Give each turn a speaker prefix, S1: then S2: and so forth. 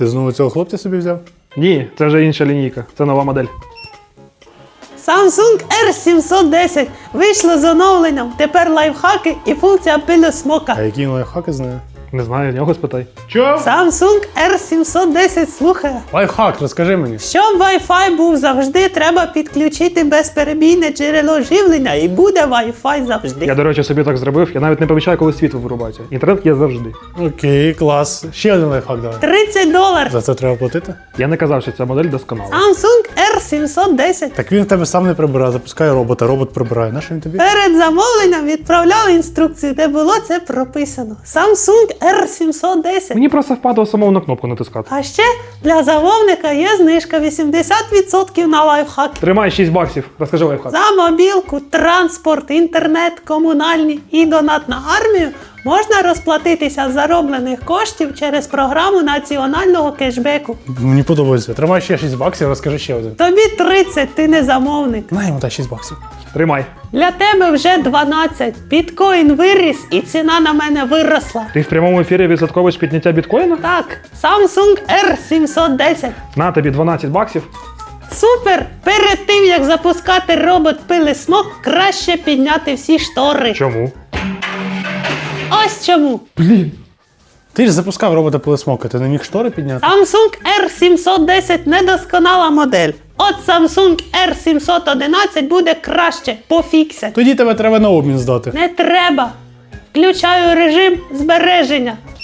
S1: Ти знову цього хлопця собі взяв?
S2: Ні, це вже інша лінійка, це нова модель.
S3: Samsung R710 вийшло з оновленням. Тепер лайфхаки і функція пилосмока.
S1: А які лайфхаки знає?
S2: Не знаю, в нього спитай.
S1: Чо?
S3: Samsung R710 слухає.
S1: Лайфхак, розкажи мені.
S3: Щоб Wi-Fi був завжди, треба підключити безперебійне джерело живлення і буде Wi-Fi завжди.
S2: Я, до речі, собі так зробив, я навіть не помічаю, коли світло вирубається. Інтернет є завжди.
S1: Окей, клас. Ще один лайфхак давай.
S3: $30.
S1: За це треба платити?
S2: Я не казав, що ця модель досконала.
S3: Samsung R710.
S1: Так він в тебе сам не прибирає, запускає робота, робот прибирає. Нащо він тобі?
S3: Перед замовленням відправляли інструкцію, де було це прописано. Samsung R710.
S2: Мені просто впадало самому на кнопку натискати.
S3: А ще для замовника є знижка 80% на лайфхаки.
S2: Тримай 6 баксів, розкажи лайфхак.
S3: За мобілку, транспорт, інтернет, комунальні і донат на армію можна розплатитися з зароблених коштів через програму національного кешбеку.
S1: Мені подобається. Тримай ще 6 баксів, розкажи ще один.
S3: Тобі 30, ти не замовник.
S1: На йому та 6 баксів.
S2: Тримай.
S3: Для тебе вже 12. Біткоін виріс і ціна на мене виросла.
S2: Ти в прямому ефірі відсотковуєш підняття біткоїна?
S3: Так, Samsung R710.
S2: На тобі 12 баксів.
S3: Супер! Перед тим, як запускати робот пилисмок, краще підняти всі штори.
S2: Чому?
S3: Ось чому.
S2: Блін.
S1: Ти ж запускав робота пилосмока, ти не міг штори підняти?
S3: Samsung R710 недосконала модель. От Samsung R711 буде краще, пофіксять.
S1: Тоді тебе треба на обмін здати.
S3: Не треба. Включаю режим збереження.